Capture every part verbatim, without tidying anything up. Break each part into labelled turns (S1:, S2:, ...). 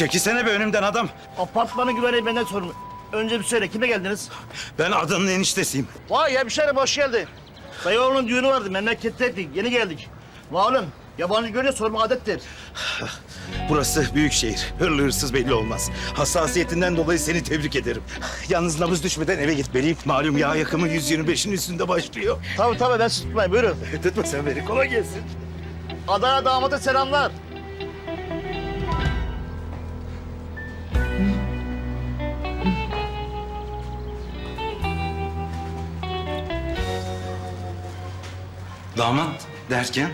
S1: Çekilsene be önümden adam.
S2: Apartmanın güvenliği benden sorumlu. Önce bir söyle, kime geldiniz?
S1: Ben adanın eniştesiyim.
S2: Vay hemşerim, hoş geldin. Dayı oğlunun düğünü vardı, memleketteydik, yeni geldik. Malum, yabancı görünce sorma adettir.
S1: Burası büyük şehir. Hırlı hırsız belli olmaz. Hassasiyetinden dolayı seni tebrik ederim. Yalnız nabız düşmeden eve gitmeliyim. Malum yağ yakımı yüz yirmi beşin üstünde başlıyor.
S2: Tabii tabii, ben sizi tutmayayım, buyurun.
S1: Tutma sen beni, kolay gelsin.
S2: Adana damada selamlar.
S1: Damat derken?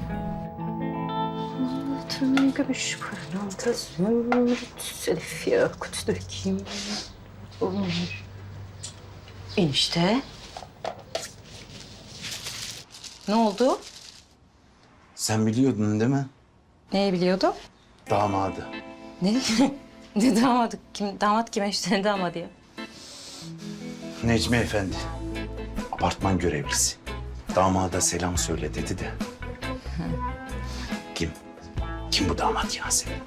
S3: Altın gümüş pırlanta zümrüt selif yakut dökeyim. Olur. Enişte. Ne oldu?
S1: Sen biliyordun değil mi?
S3: Neyi biliyordum?
S1: Damadı.
S3: Ne? Ne damadı? Kim, damat kim enişte? Ne damadı ya?
S1: Necmi Efendi. Apartman görevlisi. Damada selam söyle dedi de. Kim? Kim bu damat Yasemin?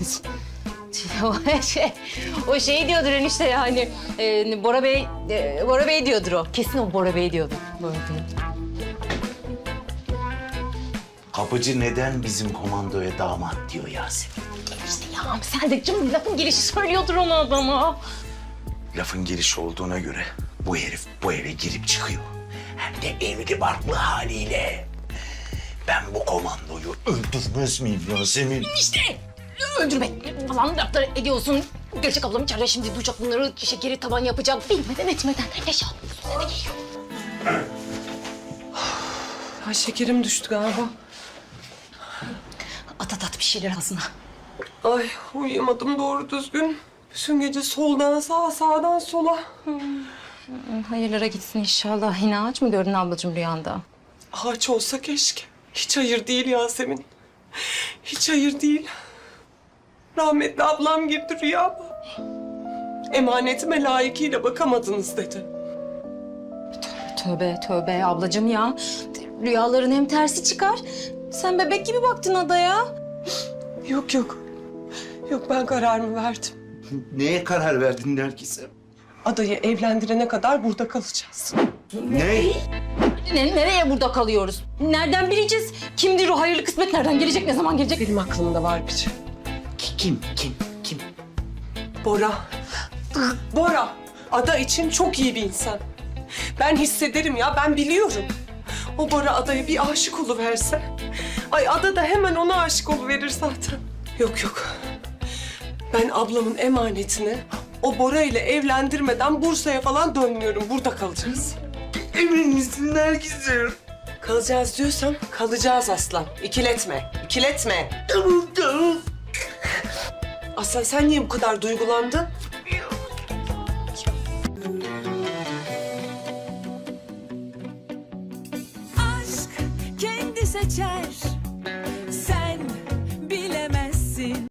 S3: o şey, o şey diyordur enişte yani. E, Bora Bey, e, Bora Bey diyordur o. Kesin o Bora Bey diyordur. Bora Bey.
S1: Kapıcı neden bizim komandoya damat diyor Yasemin?
S3: İşte ya sen de canım lafın gelişi söylüyordur onu adama.
S1: Lafın gelişi olduğuna göre bu herif bu eve girip çıkıyor. Hem de evli barklı haliyle. Ben bu komandoyu öldürmez miyim Yasemin?
S3: İşte öldürmek falan laflar ediyorsun. Gerçek ablam içeride şimdi duyacak bunları, şekeri taban yapacak. Bilmeden etmeden yaşa. Eve geliyor.
S4: Ha, şekerim düştü galiba.
S3: At at at bir şeyler ağzına.
S4: Ay uyuyamadım doğru düzgün. Bütün gece soldan sağa, sağdan sola.
S3: Hayırlara gitsin inşallah. Yine ağaç mı gördün ablacığım rüyanda?
S4: Ağaç olsa keşke. Hiç hayır değil Yasemin. Hiç hayır değil. Rahmetli ablam girdi rüyama. Emanetime layıkıyla bakamadınız dedi.
S3: Tövbe tövbe ablacığım ya. Rüyaların hem tersi çıkar. Sen bebek gibi baktın adaya.
S4: Yok yok. Yok ben kararımı verdim.
S1: Neye karar verdin Nergis'e?
S4: Adayı evlendirene kadar burada kalacağız.
S1: Ne?
S3: Ne, nereye burada kalıyoruz? Nereden bileceğiz? Kimdir o hayırlı kısmet? Nereden gelecek? Ne zaman gelecek?
S4: Benim aklımda var bir şey.
S1: Kim? Kim? Kim?
S4: Bora. Bora. Ada için çok iyi bir insan. Ben hissederim ya, ben biliyorum. O Bora Ada'ya bir aşık oluverse... Ay Ada da hemen ona aşık oluverir zaten. Yok yok. Ben ablamın emanetini o Bora ile evlendirmeden Bursa'ya falan dönmüyorum. Burada kalacağız.
S1: Emin misin Nergis'im?
S4: Kalacağız diyorsam kalacağız aslan. İkiletme, ikiletme.
S1: Tamam tamam.
S4: Aslan sen niye bu kadar duygulandın?
S5: Aşk kendi seçer